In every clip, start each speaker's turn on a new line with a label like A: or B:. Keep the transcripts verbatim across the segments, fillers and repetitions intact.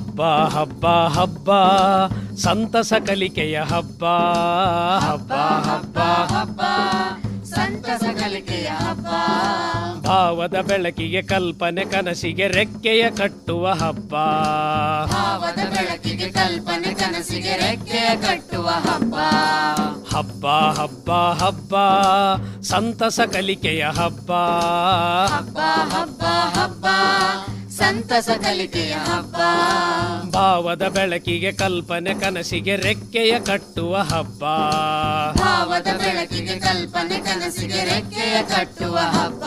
A: ಹಬ್ಬ ಹಬ್ಬ ಹಬ್ಬ ಸಂತಸ ಕಲಿಕೆಯ ಹಬ್ಬ ಹಬ್ಬ ಹಬ್ಬ
B: ಹಬ್ಬ ಸಂತಸ ಕಲಿಕೆಯ ಹಬ್ಬ
A: ಭಾವದ ಬೆಳಕಿಗೆ ಕಲ್ಪನೆ ಕನಸಿಗೆ ರೆಕ್ಕೆಯ ಕಟ್ಟುವ ಹಬ್ಬ
B: ಭಾವದ ಬೆಳಕಿಗೆ ಕಲ್ಪನೆ ಕನಸಿಗೆ ರೆಕ್ಕೆಯ ಕಟ್ಟುವ ಹಬ್ಬ
A: ಹಬ್ಬ ಹಬ್ಬ ಹಬ್ಬ ಸಂತಸ ಕಲಿಕೆಯ ಹಬ್ಬ
B: ಹಬ್ಬ ಹಬ್ಬ ಹಬ್ಬ ಸಂತಸ ಕಲಿಕೆಯ ಹಬ್ಬ
A: ಭಾವದ ಬೆಳಕಿಗೆ ಕಲ್ಪನೆ ಕನಸಿಗೆ ರೆಕ್ಕೆಯ ಕಟ್ಟುವ ಹಬ್ಬ
B: ಭಾವದ ಬೆಳಕಿಗೆ ಕಲ್ಪನೆ ಕನಸಿಗೆ ರೆಕ್ಕೆಯ ಕಟ್ಟುವ ಹಬ್ಬ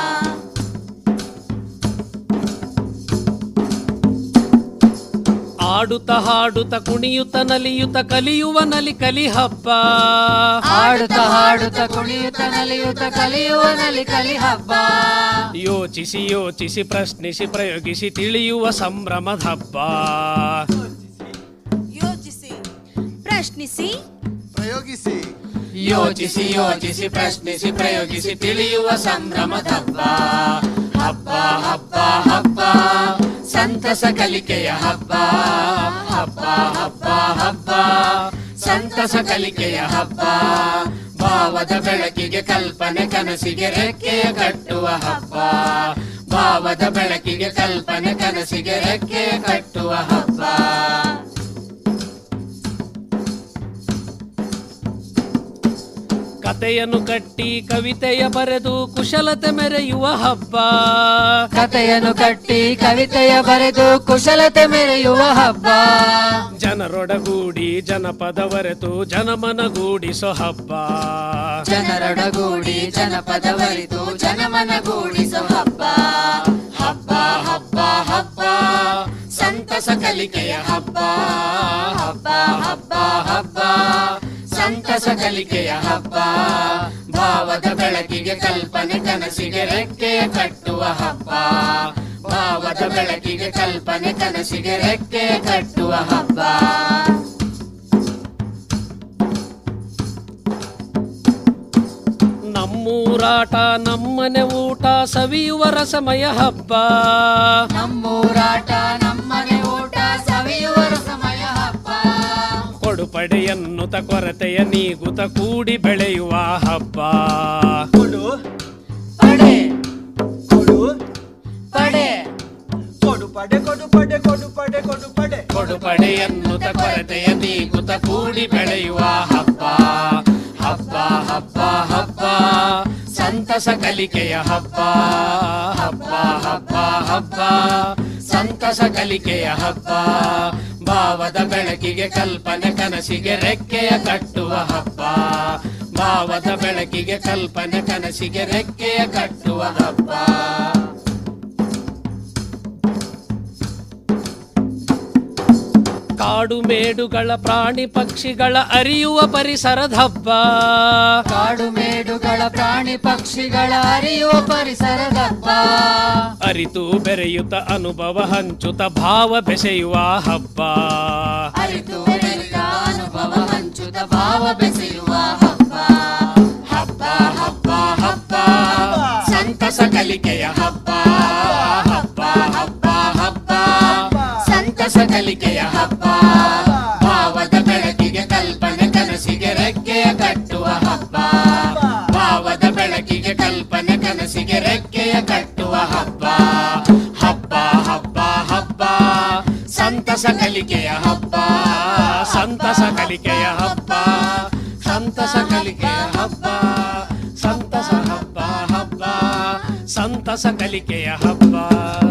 A: ಆಡುತ್ತ ಹಾಡುತ್ತ ಕುಣಿಯುತ್ತ ನಲಿಯುತ್ತ ಕಲಿಯುವ ನಲಿ ಕಲಿ ಹಬ್ಬ
B: ಆಡುತ್ತ ಹಾಡುತ್ತ ಕುಣಿಯುತ್ತ ನಲಿಯುತ್ತ ಕಲಿಯುವ ನಲಿ ಕಲಿ ಹಬ್ಬ
A: ಯೋಚಿಸಿ ಯೋಚಿಸಿ ಪ್ರಶ್ನಿಸಿ ಪ್ರಯೋಗಿಸಿ ತಿಳಿಯುವ ಸಂಭ್ರಮದ ಹಬ್ಬ
C: ಯೋಚಿಸಿ ಪ್ರಶ್ನಿಸಿ
D: ಪ್ರಯೋಗಿಸಿ
B: ಯೋಚಿಸಿ ಯೋಚಿಸಿ ಪ್ರಶ್ನಿಸಿ ಪ್ರಯೋಗಿಸಿ ತಿಳಿಯುವ ಸಂಭ್ರಮದ ಹಬ್ಬ ಹಬ್ಬ ಹಬ್ಬ ಹಬ್ಬ ಸಂತಸ ಕಲಿಕೆಯ ಹಬ್ಬ ಹಬ್ಬ ಹಬ್ಬ ಹಬ್ಬ ಸಂತಸ ಕಲಿಕೆಯ ಹಬ್ಬ ಭಾವದ ಬೆಳಕಿಗೆ ಕಲ್ಪನೆ ಕನಸಿಗೆ ರೆಕ್ಕೆಯ ಕಟ್ಟುವ ಹಬ್ಬ ಭಾವದ ಬೆಳಕಿಗೆ ಕಲ್ಪನೆ ಕನಸಿಗೆ ರೆಕ್ಕೆಯ ಕಟ್ಟುವ ಹಬ್ಬ
A: ಕತೆಯನ್ನು ಕಟ್ಟಿ ಕವಿತೆಯ ಬರೆದು ಕುಶಲತೆ ಮೆರೆಯುವ ಹಬ್ಬ
B: ಕತೆಯನ್ನು ಕಟ್ಟಿ ಕವಿತೆಯ ಬರೆದು ಕುಶಲತೆ ಮೆರೆಯುವ ಹಬ್ಬ
A: ಜನರೊಡಗೂಡಿ ಜನಪದವರೆತು ಜನಮನಗೂಡಿಸೋ ಹಬ್ಬ
B: ಜನರೊಡಗೂಡಿ ಜನಪದವರಿತು ಜನಮನಗೂಡಿಸೋ ಹಬ್ಬ ಹಬ್ಬ ಹಬ್ಬ ಹಬ್ಬ ಸಂತಸ ಕಲಿಕೆಯ ಹಬ್ಬ ಹಬ್ಬ ಹಬ್ಬ ಹಬ್ಬ ಸಂತಸ ಕಲಿಕೆಯ ಹಬ್ಬ ಭಾವದ ಬೆಳಕಿಗೆ ಕಲ್ಪನೆ ಕನಸಿಗೆ ರೆಕ್ಕೆಯ ಕಟ್ಟುವ ಹಬ್ಬ ಭಾವದ ಬೆಳಕಿಗೆ ಕಲ್ಪನೆ ಕನಸಿಗೆ ರೆಕ್ಕೆಯ ಕಟ್ಟುವ ಹಬ್ಬ
A: ನಮ್ಮೂರಾಟ ನಮ್ಮನೆ ಊಟ ಸವಿಯುವ ರಸಮಯ ಹಬ್ಬ
B: ನಮ್ಮೂರಾಟ ನಮ್ಮನೆ ಊಟ ಸವಿಯುವ ರಸಮಯ ಹಬ್ಬ
A: ಕೊಡುಪಡೆಯನ್ನುತ ಕೊರತೆಯ ನೀಗುತ ಕೂಡಿ ಬೆಳೆಯುವ ಹಬ್ಬ
D: ಕೊಡು
B: ಪಡೆ
D: ಕೊಡು
B: ಪಡೆ
D: ಕೊಡು ಪಡೆ ಕೊಡು ಪಡೆ ಕೊಡು ಪಡೆ ಕೊಡು ಪಡೆ
A: ಕೊಡುಪಡೆಯನ್ನುತ ಕೊರತೆಯ ನೀಗುತ ಕೂಡಿ ಬೆಳೆಯುವ ಹಬ್ಬ ಹಬ್ಬ ಹಬ್ಬ ಹಬ್ಬ ಸಂತಸ ಕಲಿಕೆಯ ಹಬ್ಬ ಹಬ್ಬ ಹಬ್ಬ ಹಬ್ಬ ಸಂತಸ ಕಲಿಕೆಯ ಹಬ್ಬ ಭಾವದ ಬೆಳಕಿಗೆ ಕಲ್ಪನೆ ಕನಸಿಗೆ ರೆಕ್ಕೆಯ ಕಟ್ಟುವ ಹಬ್ಬ ಭಾವದ ಬೆಳಕಿಗೆ ಕಲ್ಪನೆ ಕನಸಿಗೆ ರೆಕ್ಕೆಯ ಕಟ್ಟುವ ಹಬ್ಬ ಕಾಡು ಮೇಡುಗಳ ಪ್ರಾಣಿ ಪಕ್ಷಿಗಳ ಅರಿಯುವ ಪರಿಸರದ ಹಬ್ಬ
B: ಕಾಡು ಮೇಡುಗಳ ಪ್ರಾಣಿ ಪಕ್ಷಿಗಳ ಅರಿಯುವ ಪರಿಸರದ ಹಬ್ಬ
A: ಅರಿತು ಬೆರೆಯುತ್ತ ಅನುಭವ ಹಂಚುತ್ತ ಭಾವ ಬೆಸೆಯುವ ಹಬ್ಬ
B: ಅರಿತು ಬೆರೆತ ಅನುಭವ ಹಂಚುತ್ತ ಭಾವ ಬೆಸೆಯುವ ಹಬ್ಬ ಹಬ್ಬ ಹಬ್ಬ ಹಬ್ಬ ಸಂತಸ ಕಲಿಕೆಯ ಹಬ್ಬ ಹಬ್ಬ ಹಬ್ಬ ಹಬ್ಬ ಸಂತಸ ಕಲಿಕೆಯ ಹಬ್ಬ ಭಾವದ ಬೆಳಕಿಗೆ ಕಲ್ಪನೆ ಕನಸಿಗೆ ರೆಕ್ಕೆಯ ಕಟ್ಟುವ ಹಬ್ಬ ಭಾವದ ಬೆಳಕಿಗೆ ಕಲ್ಪನೆ ಕನಸಿಗೆ ರೆಕ್ಕೆಯ ಕಟ್ಟುವ ಹಬ್ಬ ಹಬ್ಬ ಹಬ್ಬ ಹಬ್ಬ ಸಂತಸ ಕಲಿಕೆಯ ಹಬ್ಬ ಸಂತಸ ಕಲಿಕೆಯ ಹಬ್ಬ ಸಂತಸ ಕಲಿಕೆಯ ಹಬ್ಬ ಸಂತಸ ಹಬ್ಬ ಹಬ್ಬ ಸಂತಸ ಕಲಿಕೆಯ ಹಬ್ಬ